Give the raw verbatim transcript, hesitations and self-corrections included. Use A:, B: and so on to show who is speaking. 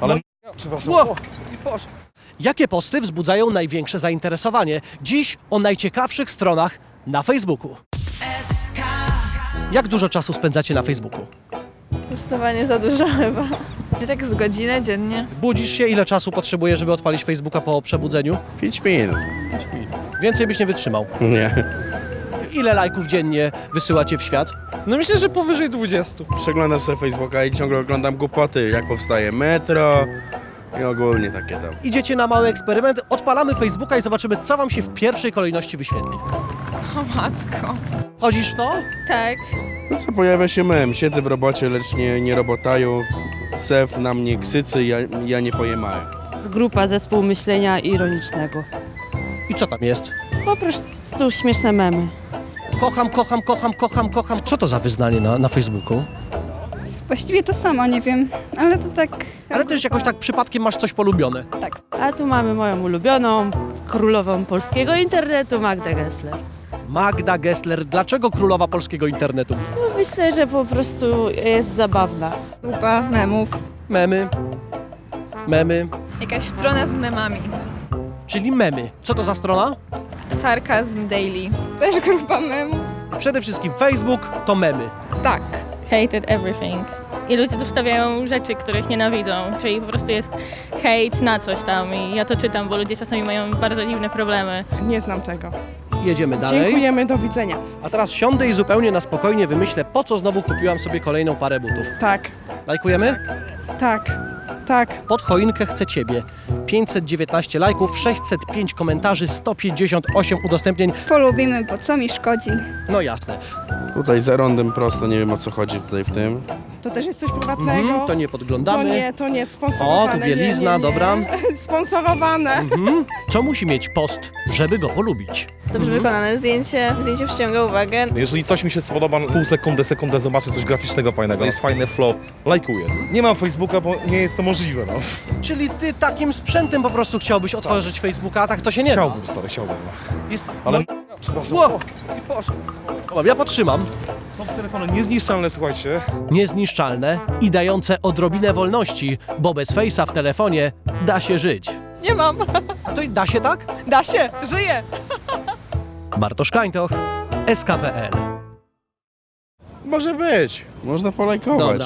A: Ale...
B: No.
A: Przepraszam.
B: Ło! Jakie posty wzbudzają największe zainteresowanie? Dziś o najciekawszych stronach na Facebooku. Jak dużo czasu spędzacie na Facebooku?
C: Zdecydowanie za dużo chyba.
D: Ja tak z godzinę dziennie.
B: Budzisz się, ile czasu potrzebujesz, żeby odpalić Facebooka po przebudzeniu?
E: pięć minut.
B: Więcej byś nie wytrzymał.
E: Nie.
B: Ile lajków dziennie wysyłacie w świat?
A: No myślę, że powyżej dwudziestu.
E: Przeglądam sobie Facebooka i ciągle oglądam głupoty, jak powstaje metro i ogólnie takie tam.
B: Idziecie na mały eksperyment, odpalamy Facebooka i zobaczymy, co wam się w pierwszej kolejności wyświetli.
D: O matko.
B: Wchodzisz w to?
D: Tak.
E: No co, pojawia się mem, siedzę w robocie, lecz nie, nie robotaju, sef na mnie ksycy, ja, ja nie pojemałem.
F: Z grupa zespół myślenia ironicznego.
B: I co tam jest?
F: Po prostu śmieszne memy.
B: Kocham, kocham, kocham, kocham, kocham. Co to za wyznanie na, na Facebooku?
G: Właściwie to samo, nie wiem, ale to tak...
B: Ale też jakoś tak przypadkiem masz coś polubione.
F: A tu mamy moją ulubioną, królową polskiego internetu, Magdę Gessler.
B: Magda Gessler. Dlaczego królowa polskiego internetu?
F: No, myślę, że po prostu jest zabawna.
D: Grupa memów.
B: Memy. Memy.
D: Jakaś strona z memami.
B: Czyli memy. Co to za strona?
D: Sarkazm Daily.
G: Też grupa memów.
B: Przede wszystkim Facebook to memy.
D: Tak.
H: Hated everything. I ludzie tu wstawiają rzeczy, których nienawidzą, czyli po prostu jest hejt na coś tam i ja to czytam, bo ludzie czasami mają bardzo dziwne problemy.
I: Nie znam tego.
B: Jedziemy dalej.
I: Dziękujemy, do widzenia.
B: A teraz siądę i zupełnie na spokojnie wymyślę, po co znowu kupiłam sobie kolejną parę butów.
I: Tak,
B: Lajkujemy?
I: tak, tak.
B: Pod choinkę chcę Ciebie. pięćset dziewiętnaście lajków, sześćset pięć komentarzy, sto pięćdziesiąt osiem udostępnień.
G: Polubimy, bo co mi szkodzi.
B: No jasne.
E: Tutaj za rondem prosto, nie wiem o co chodzi tutaj w tym.
I: To też jest coś prywatnego.
B: Mhm, to nie
I: To
B: podglądamy.
I: nie, to nie, sponsorowane.
B: O, tu bielizna,
I: nie, nie, nie.
B: dobra.
I: Sponsorowane.
B: Mhm. Co musi mieć post, żeby go polubić?
C: Dobrze wykonane zdjęcie. Zdjęcie przyciąga uwagę.
A: Jeżeli coś mi się spodoba, pół sekundy, sekundę zobaczę coś graficznego fajnego, jest fajny flow, lajkuję. Nie mam Facebooka, bo nie jest to możliwe, no.
B: Czyli Ty takim sprzętem po prostu chciałbyś otworzyć Facebooka, a tak to się nie da.
A: Chciałbym, stary, chciałbym. No.
B: Jest...
A: Ale...
B: No...
A: Przepraszam.
B: Ło! Dobra, ja podtrzymam.
A: Są telefony niezniszczalne, słuchajcie.
B: Niezniszczalne i dające odrobinę wolności, bo bez Face'a w telefonie da się żyć.
I: Nie mam.
B: To i da się tak?
I: Da się, żyję.
B: Bartosz Kańtoch, S K P L.
E: Może być, można polajkować.
B: Dobra.